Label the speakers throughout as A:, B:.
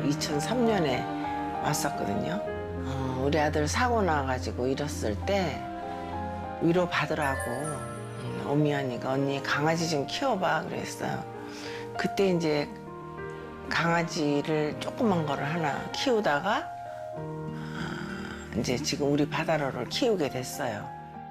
A: 2003년에 왔었거든요. 우리 아들 사고 나가지고 잃었을 때 위로 받으라고 오미연이가 언니 강아지 좀 키워봐 그랬어요. 그때 이제 강아지를 조그만 거를 하나 키우다가 이제 지금 우리 바다로를 키우게 됐어요.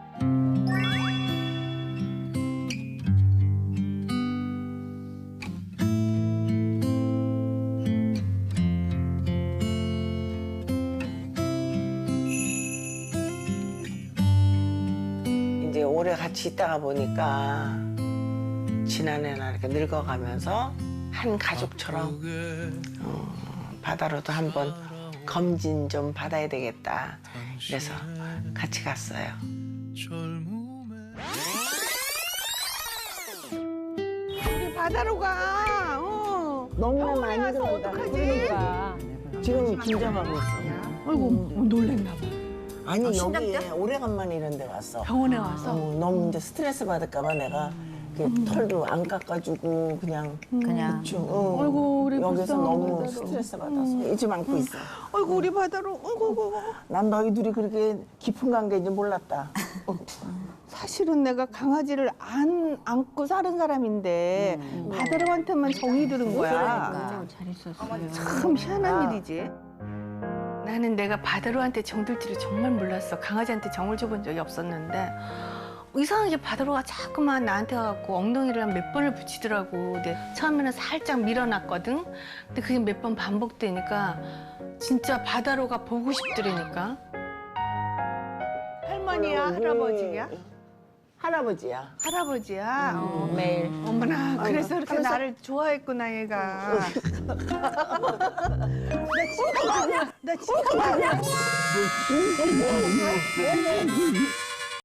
A: 이제 오래 같이 있다가 보니까 지난해나 이렇게 늙어가면서 한 가족처럼 바다로도 한번 검진 좀 받아야 되겠다. 그래서 같이 갔어요. 우리 바다로 가. 너무 많이 들어온다. 어떡하지?
B: 그러니까.
A: 지금 긴장하고 있어.
B: 아이고 놀랬나 봐.
A: 아니 여기에 오래간만에 이런 데 왔어.
B: 병원에 와서
A: 너무 이제 스트레스 받을까 봐 내가 털도 안 깎아주고 그냥 대충
B: 아이고, 우리
A: 여기서
B: 불쌍한
A: 너무
B: 바다로.
A: 스트레스 받아서 잊지 않고 있어.
B: 아이고 우리 바다로
A: 난 너희 둘이 그렇게 깊은 관계인지 몰랐다.
B: 사실은 내가 강아지를 안 안고 사는 사람인데 바다로한테만 정이 드는 거야.
C: 잘 있었어요.
B: 참 희한한 일이지. 나는 내가 바다로한테 정들 줄을 정말 몰랐어. 강아지한테 정을 줘본 적이 없었는데 이상하게 바다로가 자꾸만 나한테 와갖고 엉덩이를 한 몇 번을 붙이더라고. 근데 처음에는 살짝 밀어놨거든. 근데 그게 몇 번 반복되니까 진짜 바다로가 보고 싶더라니까. 할머니야, 할아버지야?
A: 할아버지야.
B: 할아버지야.
C: 매일.
B: 어머나, 그래서 이렇게
A: 하면서-
B: 나를 좋아했구나, 얘가. 나 지금